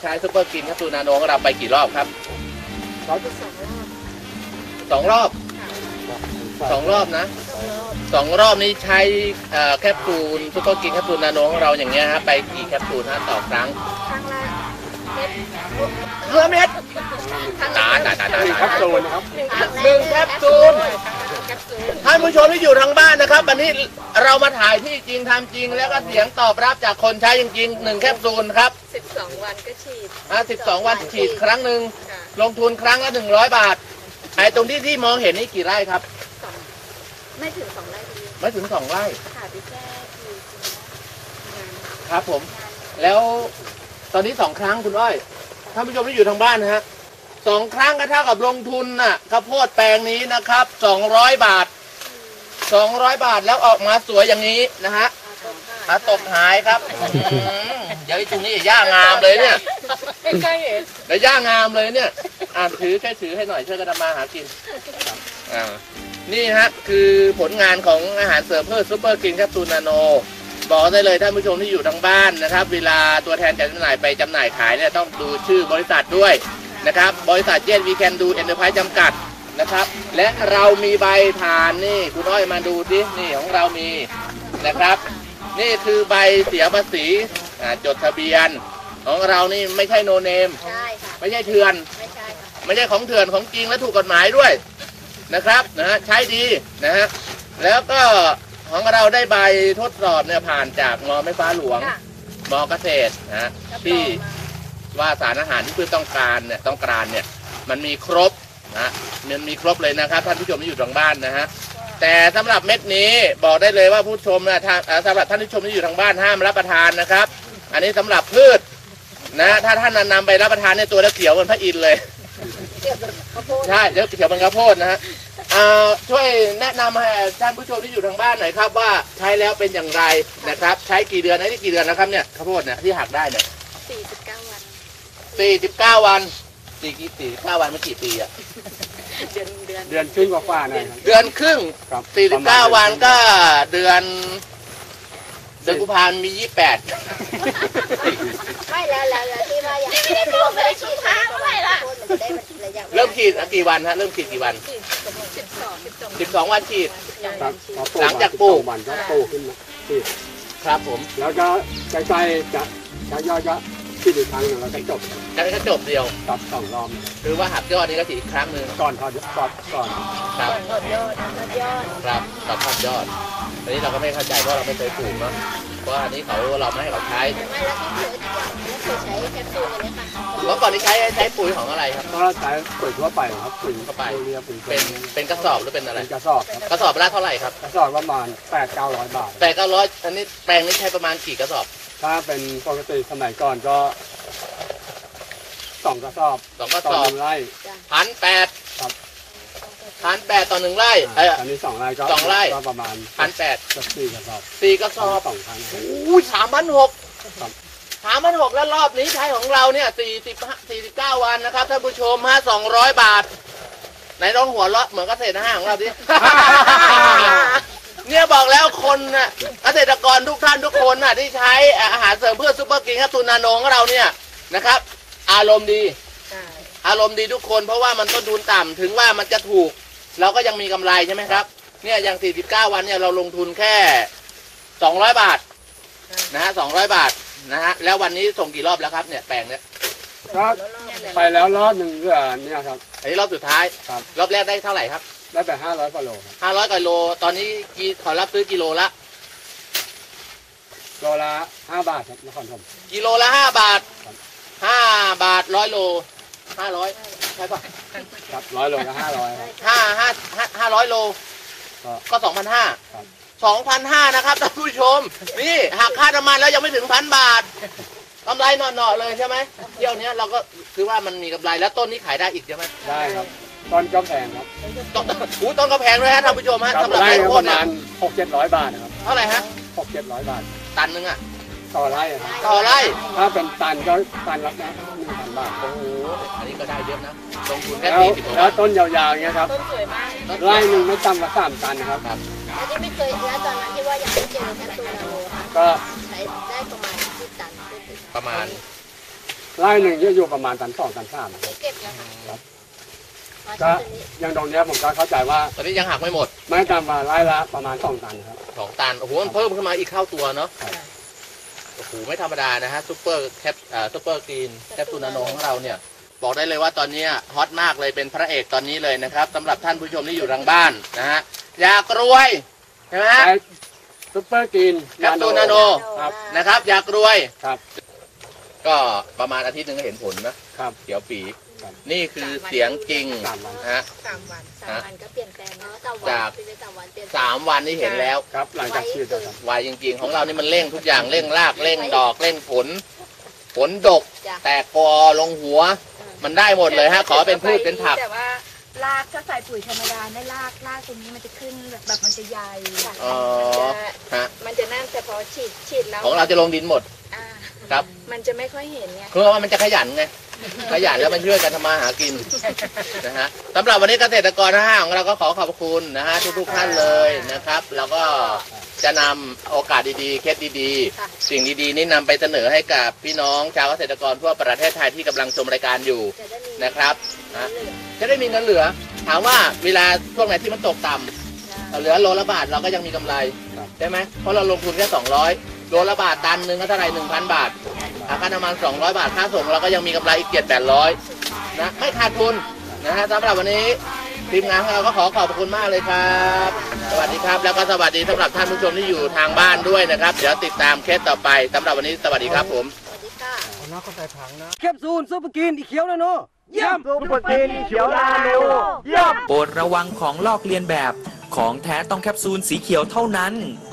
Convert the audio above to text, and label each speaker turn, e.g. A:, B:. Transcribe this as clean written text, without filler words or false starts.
A: ใช้ซุปเปอร์กินแคปซูลนาโนของเราไปกี่รอบครับสองรอบนะ2 รอบนี้ใช้แคปซูลซุปเปอร์กินแคปซูลนาโนของเราอย่างเงี้ยฮะไปกี่แคปซูลฮะต่อครั้งเม็ดตาย
B: แคปซูลนะครับ
A: 1 แคปซูลท่านผู้ชมที่อยู่ทางบ้านนะครับวันนี้เรามาถ่ายที่จริงทำจริงแล้วก็เสียงตอบรับจากคนใช้จริงๆ1 แคปซูลครับ
C: 12 วันก็ฉีด
A: 12 วันฉีดครั้งหนึ่งลงทุนครั้งละ100 บาทไอ้ตรงที่มองเห็นนี่กี่ไร่ครับ
C: ไม่ถึง2 ไร่
A: ไม่ถึง2 ไร่
C: ค่ะไปแค่
A: ครับผมแล้วตอนนี้2 ครั้งคุณอ้อยท่านผู้ชมที่อยู่ทางบ้านนะฮะ2 ครั้งก็เท่ากับลงทุนน่ะข้าวโพดแปลงนี้นะครับ200 บาทแล้วออกมาสวยอย่างนี้นะฮะตกหายครับเดี๋ยวตรงนี้ย่างามเลยเนี่ย
C: ไม่ใช่เห็น
A: แล้วย่างามเลยเนี่ยถือให้หน่อยช่วยกันทำมาหากินนี่ฮะคือผลงานของอาหารเสริมเพื่อซุปเปอร์กินแคปซูลนาโนบอกได้เลยท่านผู้ชมที่อยู่ทางบ้านนะครับเวลาตัวแทนจำหน่ายไปจำหน่ายขายเนี่ยต้องดูชื่อบริษัทด้วยนะครับบริษัทเยนวีแคนดูเอ็นเตอร์ไพรส์จำกัดนะครับและเรามีใบผ่านนี่คุณอ้อยมาดูดินี่ของเรามีนะครับนี่คือใบเสียภาษีจดทะเบียนของเรานี่ไม่ใช่โนเนมไม่ใช่เถื่อนไม่ใช่ของเถื่อนของจริงและถูกกฎหมายด้วยนะครับใช้ดีนะฮะแล้วก็ของเราได้ใบทดสอบเนี่ยผ่านจากม.แม่ฟ้าหลวงม.เกษตรนะที่ว่าสารอาหารที่พืชต้องการเนี่ยมันมีครบนะมันมีครบเลยนะครับท่านผู้ชมที่อยู่ทางบ้านนะฮะแต่สำหรับเม็ดนี้บอกได้เลยว่าผู้ชมนะสำหรับท่านผู้ชมที่อยู่ทางบ้านห้ามรับประทานนะครับอันนี้สำหรับพืชนะถ้าท่านนำไปรับประทานเนี่ยตัวจะเขียวเหมือนพระอินทร์เลยใช่เดี๋ยวเขียวเป็นข้าวโพดนะฮะช่วยแนะนำให้ท่านผู้ชมที่อยู่ทางบ้านหน่อยครับว่าใช้แล้วเป็นอย่างไรนะครับใช้กี่เดือนนี่กี่เดือนนะครับเนี่ยข้าวโพดเนี่ยที่หักได้เนี่ย
C: 49 วัน
A: 49 วัน49 วันมันกี่ปีอะ
B: เดือนครึ่งกว่าหน่อย
A: เดือนครึ่ง49 วันก็เดือนกุมภาพันธ์มี28
C: ไม่แล้วที่ว่ายังไม่ได้ฉีดค้างเท่าไหร่ล่ะ
A: เริ่มฉีดกี่วันฮะเริ่มฉีดกี่วัน12 วันฉีดหลังจากปลูก
B: วันก็โตขึ้นมาฉีด
A: ครับผม
B: แล้วก็ใกล้ๆจะย่อยฉีดอีกครั้งนึงแล้วก็จบ
A: เดียว
B: ครับ2 รอบ
A: คือว่าหักยอดนี้ก็ฉีดอีกครั้งหนึ่ง
B: ก่อนครับก่อน
A: ครับทอดยอดครับทอดยอดอันนี้เราก็ไม่เข้าใจเพราะเราไม่เคยปลูกเนาะเพราะอันนี้เราไม่ให้เขาใช้
C: ไม่แล้วที่เคยใช้แคปซูลนี้ค่ะ
A: เมื่อก่อนนี้ใช้ปุ๋ยของอะไรครับ
B: ก็ใช้ปุ๋ยทั่วไปครับปุ๋ย
A: ทั่วไปเป็นกระสอบหรือเป็นอะไร
B: กระสอบ
A: กระสอบละเท่าไหร่ครับ
B: กระสอบประมาณ800-900 บาท
A: 800-900อันนี้แปลงนี้ใช้ประมาณกี่กระสอบ
B: ถ้าเป็นปกติสมัยก่อนก็2 กระสอบ
A: ต่อ1 ไร่1,800ครับ1,800ต่อ1 ไร่
B: อันนี้2 ไร่ก็
A: 2 ไร่
B: ก็ประมาณ
A: 1,800
B: กับ4 กระสอบ
A: 4 กระสอบ
B: 2 ครั้ง
A: โอ้ย3,600 3,600แล้วรอบนี้ใช้ของเราเนี่ย49 วันนะครับท่านผู้ชม200 บาทไหนลองหัวเราะเหมือนเกษตร5ของเราดิเนี่ยบอกแล้วคนน่ะเกษตรกรทุกท่านทุกคนน่ะที่ใช้อาหารเสริมเพื่อซุปเปอร์กินแคปซูลนาโนของเราเนี่ยนะครับอารมณ์ดีทุกคนเพราะว่ามันต้นทุนต่ำถึงว่ามันจะถูกเราก็ยังมีกำไรใช่ไหมครับเนี่ยอย่าง49 วันเนี่ยเราลงทุนแค่200 บาทนะฮะ200 บาทนะฮะแล้ววันนี้ส่งกี่รอบแล้วครับเนี่ยแปลงเนี่ย
B: ก็ไปแล้วรอบหนึ่งเนี่ยครับ
A: อันนี้รอบสุดท้ายรอบแรกได้เท่าไหร่ครับ
B: ได้ไป500 กว่าโล
A: 500 กว่าโลตอนนี้เขารับซื้อกิโลละ
B: 5 บาทครับนครธม
A: กิโลละ5 บาท5 บาท100 โล500ใช่ป่ะ
B: ครับ100 โลก็
A: 500 โลก็ 2,500นะครับท่านผู้ชมนี่หักค่าน้ำมันแล้วยังไม่ถึง1,000 บาทกำไรหน่อๆเลยใช่ไหมเที่ยวนี้เราก็คือว่ามันมีกำไรแล้วต้นนี้ขายได้อีกใช่ไหม
B: ได้ครับต้นก็แพงครับ
A: ต้นก็แพงด้วยฮะท่านผู้ชมฮะ
B: สำหรับไร่ประมาณ600-700 บาทนะครับ
A: เท่าไหร่ฮะ
B: 600-700 บาท
A: ตันนึงอ่ะ
B: ต่อไร่ถ้าเป็นตันก็ตันละ1,000 บาท
A: โอ้โหอันนี้ก็ได้เยอะนะลงทุนแค่
B: 40แล้วต้นยาวๆอย่างเงี้ยครับ
C: ต้นสวยมาก
B: ไร่หนึ่งไม่ต่ำกว่า3 ตันนะครับ
C: แล้วที่ไม่เคยแล้วตอนนั้นที่ว่ายังไม่เจอแคปซูลนาโนค่ะ
B: ก็
C: ใช้ได้ประมาณ10 ตัน
A: ประมาณ
B: ไร่หนึ่งจะอยู่ประมาณตัน 2 ตัน 3ครับ
C: เก็บแล้วค่ะ
B: ก็อย่างตรงเนี้ยผมก็เข้าใจว่า
A: ตอนนี้ยังหักไม่หมด
B: ไม่ต่ำกว่าไร่ละประมาณ2 ตันครับ
A: 2 ตันโอ้โหมันเพิ่มขึ้นมาอีกเท่าตัวเนาะ
B: ครับ
A: โอ้โหไม่ธรรมดานะฮะซูเปอร์กรีนแคปซูลนาโนของเราเนี่ยบอกได้เลยว่าตอนนี้ฮอตมากเลยเป็นพระเอกตอนนี้เลยนะครับสำหรับท่านผู้ชมที่อยู่ทางบ้านนะฮะอยากรวยใช่ไหมฮะ
B: ใช้ซุปเปอร์กรีน
A: แคปซูลนาโน
B: ครับ
A: นะครับอยากรวย
B: ครับ
A: ก็ประมาณอาทิตย์หนึงก็เห็นผลนะครับเขียวปี
B: ครับ
A: นี่คือเสียงจริง
B: 3 วัน
A: นะฮะ
C: 3 วันก็เปลี่ยนแปลงเนาะ
A: จาก
C: 3 วันเปลี่ยน
A: 3 วันที่เห็นแล้ว
B: ครับหลังจากฉีดแล้วครับ
A: ไวจริงๆ ของเรานี่มันเร่งทุกอย่างเร่งรากเร่งดอกเร่งผลดก
C: จ้ะ
A: แตกกอลงหัว มันได้หมดเลยฮะขอเป็นพืชเป็นผัก
D: แต่ว่ารากถ้าใส่ปุ๋ยธรรมดาเนี่ยรากตรงนี้มันจะขึ้นแบบมันจะใหญ่
A: อ๋อฮะ
C: มันจะนั่นแต่พอฉีดแล้ว
A: ของเราจะลงดินหมด
C: อ่า
A: ครับ
C: มันจะไม่ค่อยเห็นไง
A: คือว่ามันจะขยันไงขยันแล้วมันช่วยกันทำมาหากินนะฮะสำหรับวันนี้เกษตรกรนะฮะของเราก็ขอขอบคุณนะฮะทุกๆท่านเลยนะครับแล้วก็จะนำโอกาสดีๆเคสดีๆ สิ่งดีๆนี้นำไปเสนอให้กับพี่น้องชาวเกษตรกรทั่วประเทศไทยที่กำลังชมรายการอยู่
C: จะได้มี
A: นะครับนะจะได้มีเงินเหลือ ถามว่าเวลาช่วงไหนที่มันตกต่ำเหลือโลละบาทเราก็ยังมีกำไร
B: ครับ
A: ใช่ไหมเพราะเราลงทุนแค่200โลละบาทตันหนึ่งก็เท่าไหร่ 1,000 บาทค่าน้ำมัน200 บาทค่าส่งเราก็ยังมีกำไรอีก700-800นะไม่ขาดทุนนะฮะสำหรับวันนี้ทีมงานของเราก็ขอขอบคุณมากเลยครับสวัสดีครับแล้วก็สวัสดีสำหรับท่านผู้ชมที่อยู่ทางบ้านด้วยนะครับเดี๋ยวติดตามเคสต่อไปสำหรับวันนี้สวัสดีครับผม
C: สวัสดีค่ะ
B: แคปซูลซุปเปอร์กรีนอีเขียวนาโนเยี่ยมซุปเปอร์กรีนอีเขียวนาโนเยี่ยม
E: โปรดระวังของลอกเลียนแบบ ของแท้ต้องแคปซูลสีเขียวเท่านั้น